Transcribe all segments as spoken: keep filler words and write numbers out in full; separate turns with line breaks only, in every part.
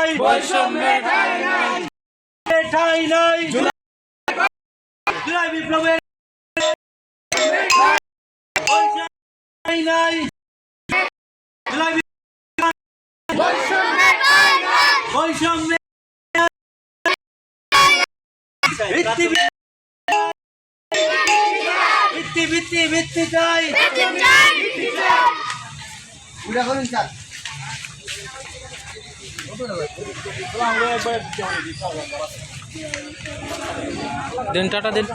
নাই,
বৈষম্যের ঠাঁই নাই,
ঠাঁই নাই, জুলাই বিপ্লবের ঠাঁই নাই, জুলাই
বৈষম্যের ঠাঁই নাই,
বৈষম্যের ভিত্তি ভিত্তি ভিত্তি ভিত্তি চাই,
ভিত্তি চাই, ভিত্তি চাই।
দিন টাটা দিন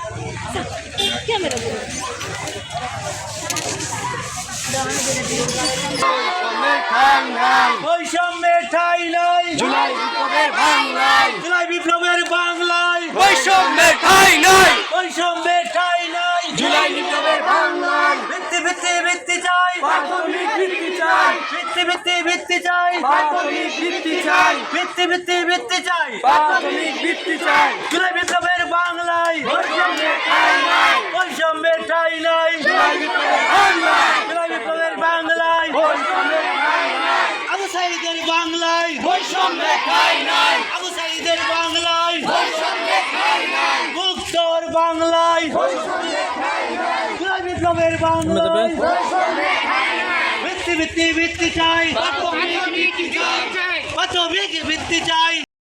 বৈষম্যের ঠাঁই নাই,
জুলাই বিপ্লবের বাংলায়,
জুলাই বিপ্লবের বাংলায়,
বৈষম্যের ঠাঁই নাই,
বৈষম্যের ঠাঁই নাই,
জুলাই বিপ্লবের বাংলায়,
ভিত্তি ভিত্তি ভিত্তি চাই,
প্রাথমিক ভিত্তি চাই,
ভিত্তি ভিত্তি ভিত্তি চাই,
প্রাথমিক ভিত্তি চাই,
ভিত্তি ভিত্তি ভিত্তি চাই,
প্রাথমিক ভিত্তি চাই,
জুলাই বিপ্লবের বাংলায়,
বৈষম্যের ঠাঁই নাই,
বৈষম্যের ঠাঁই নাই,
জুলাই বিপ্লবের বাংলায়,
জুলাই বিপ্লবের বাংলায়,
বৈষম্যের ঠাঁই নাই,
আবু সাঈদের বাংলায়,
বৈষম্যের ঠাঁই নাই,
আবু সাঈদের বাংলায়,
বৈষম্যের ঠাঁই নাই,
মুক্তর বাংলায়,
বৈষম্যের ঠাঁই নাই,
জুলাই বিপ্লবের বাংলায়,
বৈষম্যের ঠাঁই নাই,
ভিত্তি ভিত্তি ভিত্তি চাই,
প্রাথমিক ভিত্তি চাই,
প্রাথমিক ভিত্তি চাই,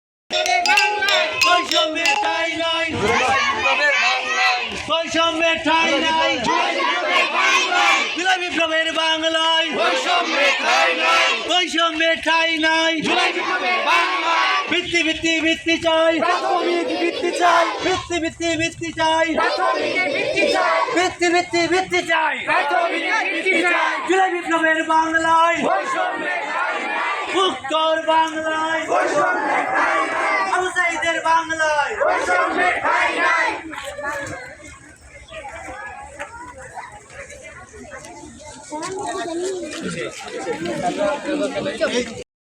বৈষম্যের ঠাঁই নাই,
বিপ্লবের বাংলায়,
বৈষম্যের ঠাঁই নাই,
বিপ্লবের বাংলায়,
জুলাই বিপ্লবের বাংলায়,
বৈষম্যের ঠাঁই নাই,
বৈষম্যের ঠাঁই নাই,
জুলাই বিপ্লবের বাংলায়,
ভিত্তি ভিত্তি ভিত্তি চাই,
প্রাথমিক ভিত্তি চাই,
ভিত্তি ভিত্তি ভিত্তি চাই,
প্রাথমিক ভিত্তি চাই,
ভিত্তি ভিত্তি ভিত্তি চাই,
প্রাথমিক ভিত্তি চাই,
জুলাই বিপ্লবের বাংলায়,
বৈষম্যের ঠাঁই নাই,
মুক্তর বাংলায়,
বৈষম্যের ঠাঁই নাই,
আবু সাঈদের বাংলায়,
বৈষম্যের ঠাঁই নাই।
Coba.